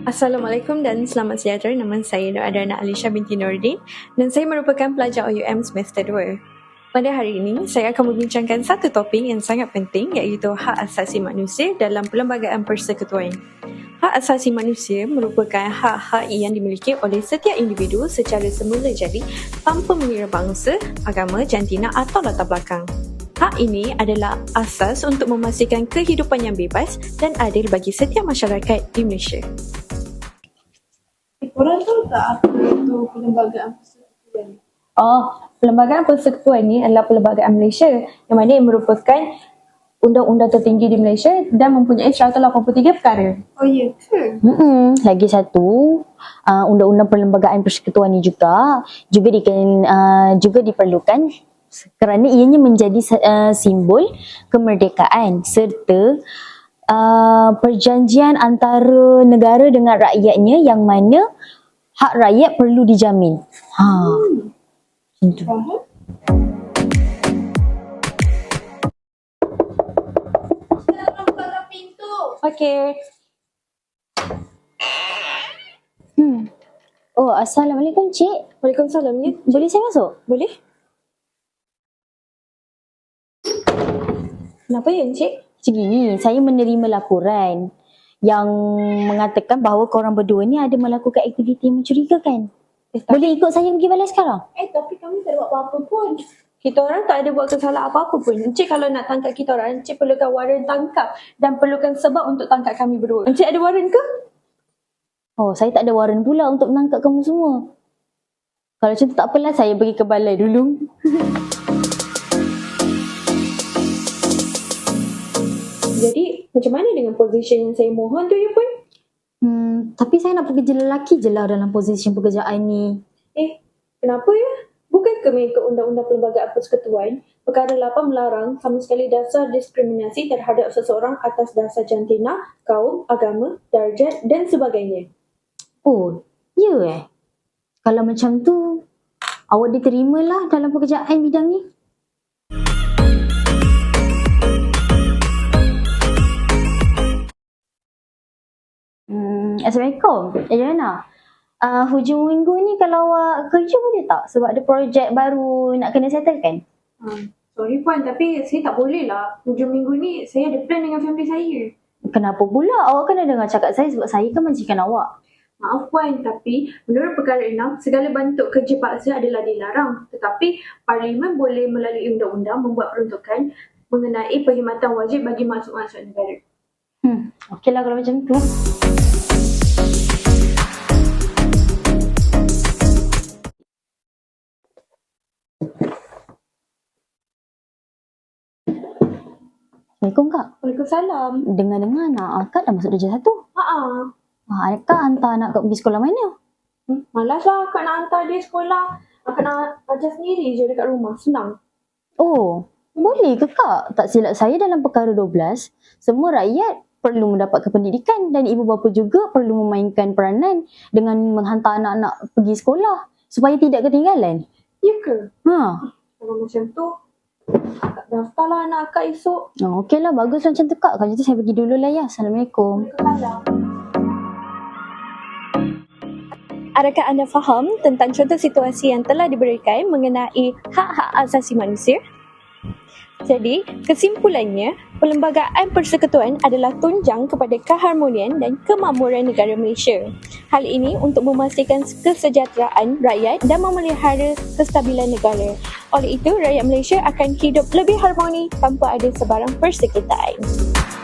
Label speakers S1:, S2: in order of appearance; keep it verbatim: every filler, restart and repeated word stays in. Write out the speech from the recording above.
S1: Assalamualaikum dan selamat sejahtera. Nama saya Nur Adrana Alisha binti Nordin dan saya merupakan pelajar O U M semester dua. Pada hari ini, saya akan membincangkan satu topik yang sangat penting iaitu hak asasi manusia dalam perlembagaan persekutuan. Hak asasi manusia merupakan hak-hak yang dimiliki oleh setiap individu secara semula jadi tanpa mengira bangsa, agama, jantina atau latar belakang. Hak ini adalah asas untuk memastikan kehidupan yang bebas dan adil bagi setiap masyarakat di Malaysia.
S2: Korang tahu tak apa itu perlembagaan persekutuan?
S1: Oh, perlembagaan persekutuan ini adalah perlembagaan Malaysia yang mana ia merupakan undang-undang tertinggi di Malaysia dan mempunyai seratus lapan puluh tiga perkara.
S2: Oh ya ke?
S3: Mm-mm. Lagi satu, uh, undang-undang perlembagaan persekutuan ini juga juga diken, uh, juga diperlukan kerana ianya menjadi uh, simbol kemerdekaan serta uh, perjanjian antara negara dengan rakyatnya yang mana hak rakyat perlu dijamin. Ha.
S2: Hmm.
S3: Itu.
S2: Faham? Kita buka pintu.
S1: Okey.
S3: Hmm. Oh, Assalamualaikum Cik.
S1: Waalaikumsalam ya.
S3: Boleh saya masuk?
S1: Boleh? Kenapa ya Encik?
S3: Macam gini, saya menerima laporan yang mengatakan bahawa korang berdua ni ada melakukan aktiviti mencurigakan.
S1: Eh, tak,
S3: Boleh ikut saya pergi balai sekarang?
S2: Eh tapi kami tak ada buat apa-apa pun.
S1: kita orang tak ada buat kesalahan apa-apa pun. Encik kalau nak tangkap kita orang, Encik perlukan waran tangkap dan perlukan sebab untuk tangkap kami berdua. Encik ada waran ke?
S3: Oh, saya tak ada waran pula untuk menangkap kamu semua. Kalau macam tu tak apalah, saya pergi ke balai dulu.
S1: Jadi, macam mana dengan position yang saya mohon tu ya pun?
S3: Hmm, tapi saya nak pekerja lelaki je lah dalam posisi pekerjaan ni.
S1: Eh, kenapa ya? Bukankah mengikut Undang-Undang Perlembagaan Persekutuan, perkara lapan melarang sama sekali dasar diskriminasi terhadap seseorang atas dasar jantina, kaum, agama, darjat dan sebagainya.
S3: Oh, ya eh? Kalau macam tu, awak diterimalah dalam pekerjaan bidang ni. Hmm, Assalamualaikum. Eh, Jana. Uh, hujung minggu ni kalau awak kerja boleh tak? Sebab ada projek baru nak kena settlekan.
S1: Hmm, sorry Puan, tapi saya tak boleh lah. Hujung minggu ni saya ada plan dengan family saya.
S3: Kenapa pula? Awak kena dengar cakap saya sebab saya kan majikan awak.
S1: Maaf Puan, tapi menurut perkara enam, segala bentuk kerja paksa adalah dilarang. Tetapi Parlimen boleh melalui undang-undang membuat peruntukan mengenai perkhidmatan wajib bagi masuk-masuk negara.
S3: Hmm, okeylah kalau macam tu. Assalamualaikum Kak.
S1: Waalaikumsalam.
S3: Dengar-dengar anak akak dah masuk darjah satu.
S1: Haa.
S3: Ah, Kak hantar anak Kak pergi sekolah mana?
S1: Hmm, malas lah Kak nak hantar dia sekolah. Akak nak ajar sendiri je dekat rumah. Senang.
S3: Oh, boleh ke Kak? Tak silap saya dalam perkara dua belas, semua rakyat perlu mendapatkan pendidikan dan ibu bapa juga perlu memainkan peranan dengan menghantar anak-anak pergi sekolah supaya tidak ketinggalan.
S1: Ya ke?
S3: Ha.
S1: Kalau macam tu, akak daftarlah anak akak esok.
S3: Oh, okeylah, bagus macam tu Kak. Kalau macam tu saya pergi dulu lah ya. Assalamualaikum.
S1: Waalaikumsalam.
S4: Adakah anda faham tentang contoh situasi yang telah diberikan mengenai hak-hak asasi manusia? Jadi, kesimpulannya, Perlembagaan Persekutuan adalah tunjang kepada keharmonian dan kemakmuran negara Malaysia. Hal ini untuk memastikan kesejahteraan rakyat dan memelihara kestabilan negara. Oleh itu, rakyat Malaysia akan hidup lebih harmoni tanpa ada sebarang persekitaran.